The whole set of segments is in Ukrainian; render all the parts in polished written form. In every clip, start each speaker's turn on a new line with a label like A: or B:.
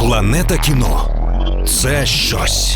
A: Планета кіно – це щось.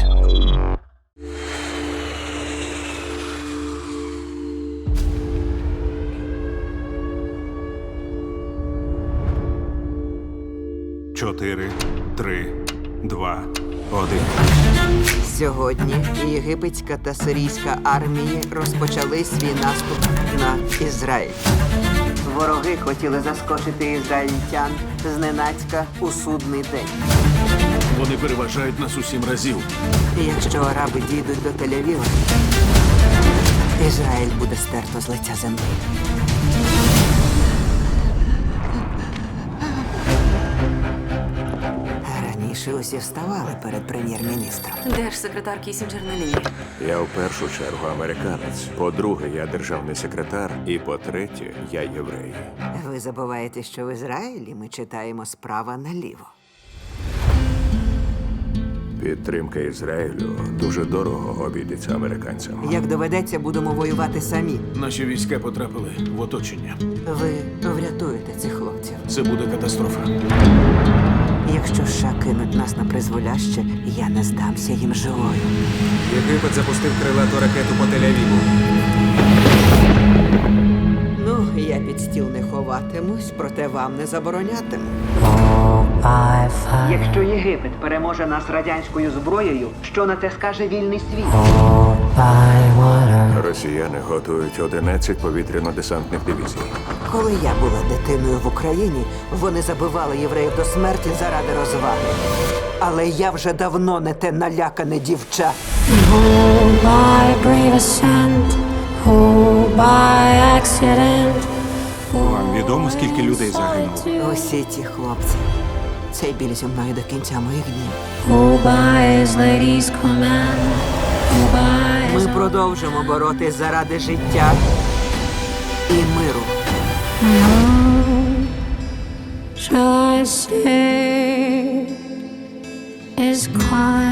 B: Чотири, 3, 2, 1.
C: Сьогодні єгипетська та сирійська армії розпочали свій наступ на Ізраїль. Вороги хотіли заскочити ізраїльтян зненацька у судний день.
B: Вони переважають нас у 7 разів.
C: І якщо араби дійдуть до Тель-Авіва, Ізраїль буде стерто з лиця землі. Раніше усі вставали перед прем'єр-міністром.
D: Держсекретар Кісінджер на лінії.
E: Я в першу чергу американець. По-друге, я державний секретар. І по-третє, я єврей.
C: Ви забуваєте, що в Ізраїлі ми читаємо справа наліво.
E: Підтримка Ізраїлю дуже дорого обійдеться американцям.
C: Як доведеться, будемо воювати самі.
B: Наші війська потрапили в оточення.
C: Ви врятуєте цих хлопців.
B: Це буде катастрофа.
C: Якщо США кинуть нас на призволяще, я не здамся їм живою.
F: Єгипет запустив крилату ракету по Тель-Авіву.
C: Ну, я під стіл не ховатимусь, проте вам не заборонятиму. Якщо Єгипет переможе нас радянською зброєю, що на це скаже вільний світ?
E: Росіяни готують 11 повітряно-десантних дивізій.
C: Коли я була дитиною в Україні, вони забивали євреїв до смерті заради розваги. Але я вже давно не те налякане дівча.
G: Oh, by brave ascent, oh, by accident.
B: Вам відомо, скільки людей загинуло?
C: Усі ті хлопці. Цей біль зі мною до кінця моїх днів.
G: Oh, by his lady's command, oh, by his
C: Ми продовжимо боротись заради життя і миру.
G: shall I say is quiet.